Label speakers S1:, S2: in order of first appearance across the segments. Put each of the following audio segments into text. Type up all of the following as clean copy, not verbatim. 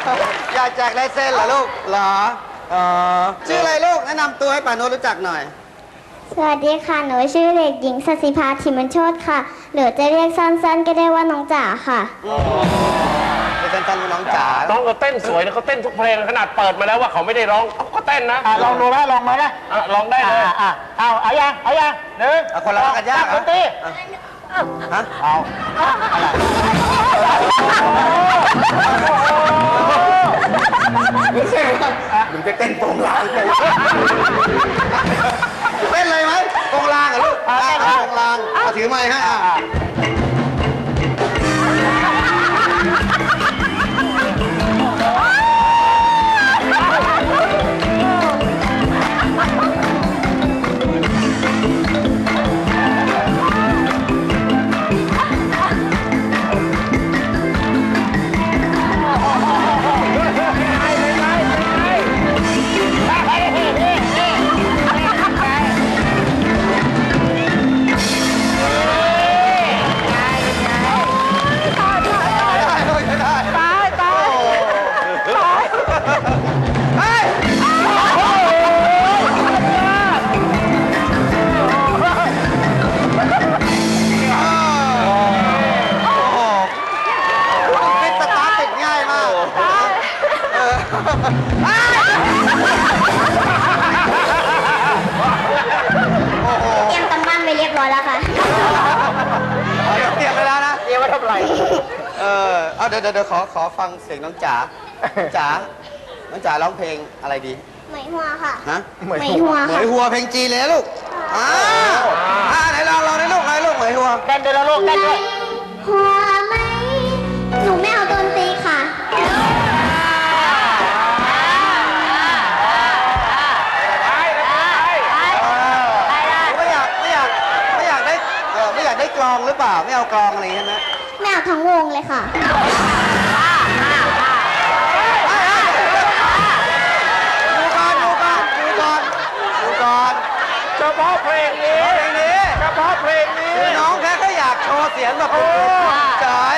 S1: อยากแจกลายเซ็นเหรอลูกเหรอชื่ออะไรลูกแนะนำตัวให้ป่าโนรู้จักหน่อย
S2: สวัสดีค่ะหนูชื่อเด็กหญิงสัสิภาธิมันโชติค่ะหรือจะเรียกสั้นๆก็ได้ว่าน้องจ๋าค่ะ
S1: เป็นสั้นๆว่าน้องจ๋า
S3: น้องก็เต้นสวยนะเขาเต้นทุกเพลงขนาดเปิดมาแล้วว่าเขาไม่ได้ร้องเขาก็เต้นนะ
S4: ลองดูนะลองมานะ
S3: ลองได้เลย
S4: เอายังหนึ่ง
S1: คนละกันยาก
S4: ดนตรี
S1: ฮะ
S4: เอา
S1: ไม่ใช่หนูจะเต้นโปงลางเต้นเลยไหมโปงลางเหรอลูกโปงลางถือไม้ให้
S2: เตรียมกำปั้นไปเรียบร้อยแล้วค่ะ
S1: เตรียมไปแล้วนะ
S4: เตรียมไว้ทำไร
S1: เอาเดี๋ยวขอฟังเสียงน้องจ๋าน้องจ๋าร้องเพลงอะไรดี
S2: ไหมหัวค่ะ
S1: ฮะ
S2: ไหมหัว
S1: เหมยหัวเพลงจีนเลยนะลูกไหนลองได้ลูกไหนลูกเหมยหัว
S4: เต้นด้วยแล้วลูกเต้นด้วย
S2: หัวไหมหนูไม่เอาดนตรีค่ะ
S1: ไม่อยากได้กลองหรือเปล่าไม่เอากลองอะไรใช่ไหม
S2: ไม่เอาทั้งวงเลยค่ะ
S1: ดูก่อน
S4: เฉพาะเพลงนี้เฉพาะเพลงนี้
S1: น้องแค่เขาอยากโชว์เสียงแบบเฉย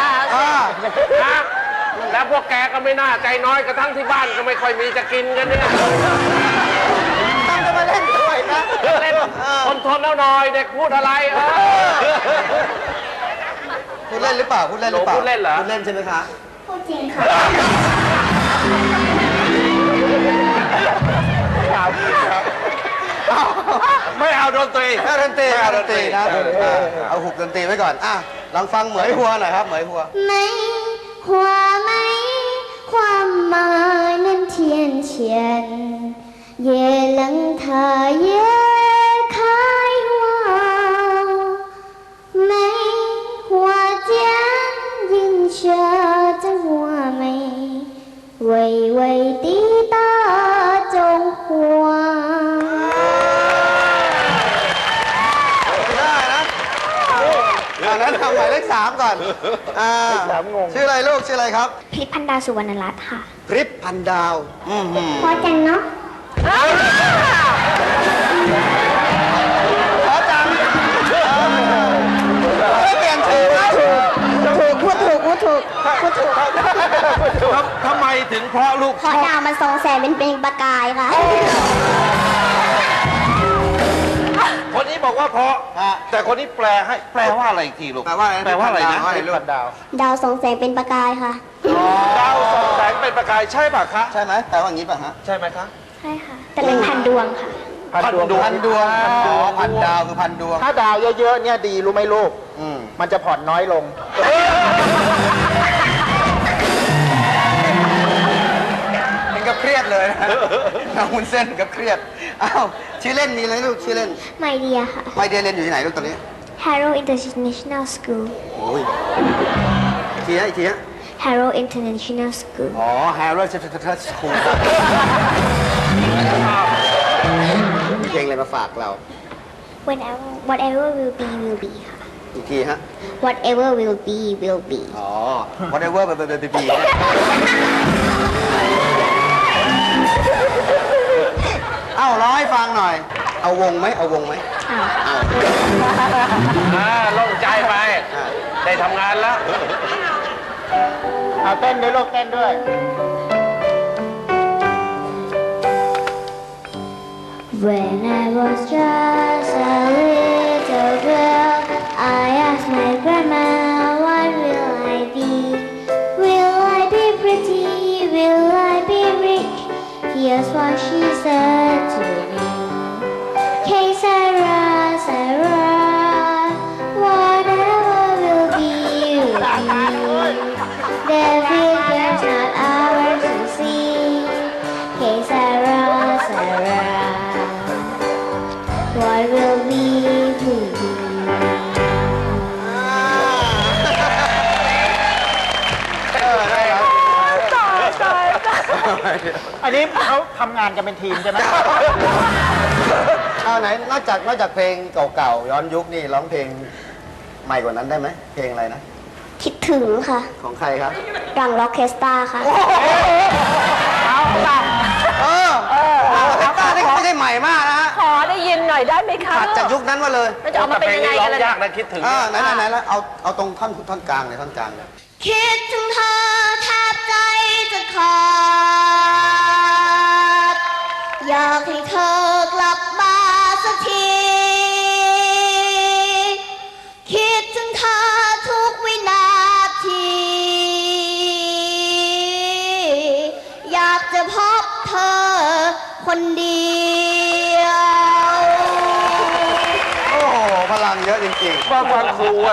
S3: แล้วพวกแกก็ไม่น่าใจน้อยกระทั่งที่บ้านก็ไม่ค่อยมีจะกินกันเนี่ย
S1: ตั้งจะมาเล่นด้วยนะ
S3: เล่นคนทนแล้วหน่อยเด็กพูดอะไร
S1: พูดเล่นหรือเปล่าพูดเล่นเหรอพูดเล่นใช่ไหมคะ
S2: พูดจริงค่ะ
S3: ไม่เอาดนตรี
S1: นะเอาหุบดนตรีไว้ก่อนลองฟังเหมยหัวหน่อยครับเหมยหัว
S2: ไม่หัวไม่ความหมายนั้นเทียนเฉียนเย่หลังเธอเย่คายหัวไม่หัวเจียนยินเชื่อจะหัวไม่ไวตีตาจงหัว
S1: นั้นทำหมายเลข3ก่อนชื่ออะไรลูกชื่ออะไรครับ
S2: พริพพันดาสุวรรณรัตน์ค่ะ
S1: พริพพันดาว
S2: พอจังเนาะ
S1: พอจังเปลี่ยนชื่อ
S2: พูดถูก
S3: ทำไมถึงเพราะลูก
S2: พอดาวมันทรงแสงเป็นประกายค่ะ
S3: คนนี้บอกว่าเพราะแต่คนนี้แปลให้แปลว่าอะไรอีกทีลูก
S1: แปลว่าอะไรนะ
S2: ดาวส่องแสงเป็นประกายค่ะ
S3: ดาวส่องแสงเป็นประกายใช่ป่ะคะ
S1: ใช่ไหมแปลว่าอย่างนี้ป่ะฮะ
S3: ใช่ไหมคะ
S2: ใช่ค่ะแต่เป็นพันดวงค่ะ
S1: พันดวงพันดาวคือพันดวง
S4: ถ้าดาวเยอะๆเนี่ยดีรู้ไหมลูกมันจะผ่อนน้อยลง
S1: เป็นกับเครียดเลยนะหุ่นเส้นกับเครียดชื่อเล่นมีอะไรลูกชื่อเล่น
S2: ไมเดียค่ะ
S1: ไมเดียเรียนอยู่ที่ไหนลูกตอนนี้
S2: Harrow International School
S1: อีกทีฮะ
S2: Harrow International School
S1: Harrow International School มีเพลงอะไรมาฝากเรา
S2: Whatever will be will be ค่ะ
S1: อีกทีฮะ
S2: Whatever will be will be
S1: Whatever will be ร้องให้ฟังหน่อย เอาวงไหมเอาวงไหม
S3: โล่งใจไปได้ทำงานแล้ว
S4: เอาเต้นด้วยลูกเต้นด้วย
S2: When I was just a little girl, I asked my grandma, what will I be? Will I be pretty? Will I be rich? Here's what she said to me. Hey Sarah, Sarah, whatever will be, will be. The future's not ours to see. Hey Sarah, Sarah, what will be, will be.
S4: อันนี้เขาทำงานกันเป็นทีมใช่ไหม
S1: เอาไหนนอกจากเพลงเก่าๆย้อนยุคนี่ร้องเพลงใหม่กว่านั้นได้ไหมเพลงอะไรนะ
S2: คิดถึงค่ะ
S1: ของใครครับ
S2: รังล็อกเคสตาค่ะ
S4: เอาล่ะ
S1: แต่ตานี่ไม่ได้ใหม่มากนะฮะ
S5: ขอได้ยินหน่อยได้ไหมคะ
S1: ถัดจากยุคนั้นมาเลย
S5: มันจะออกมาเป็นยังไงกันล่ะ
S3: ยากนะคิดถึง
S1: ไหนแล้วเอาตรงท่อนกลางเลยท่อนกลางเลย
S2: คิดถึงเธอแทบใจจะขาดอยากให้เธอกลับมาสักที คิดถึงเธอทุกวินาที อยากจะพบเธอคนเดียว
S1: โอ้โห พลังเยอะจริงๆ
S3: ฟังครู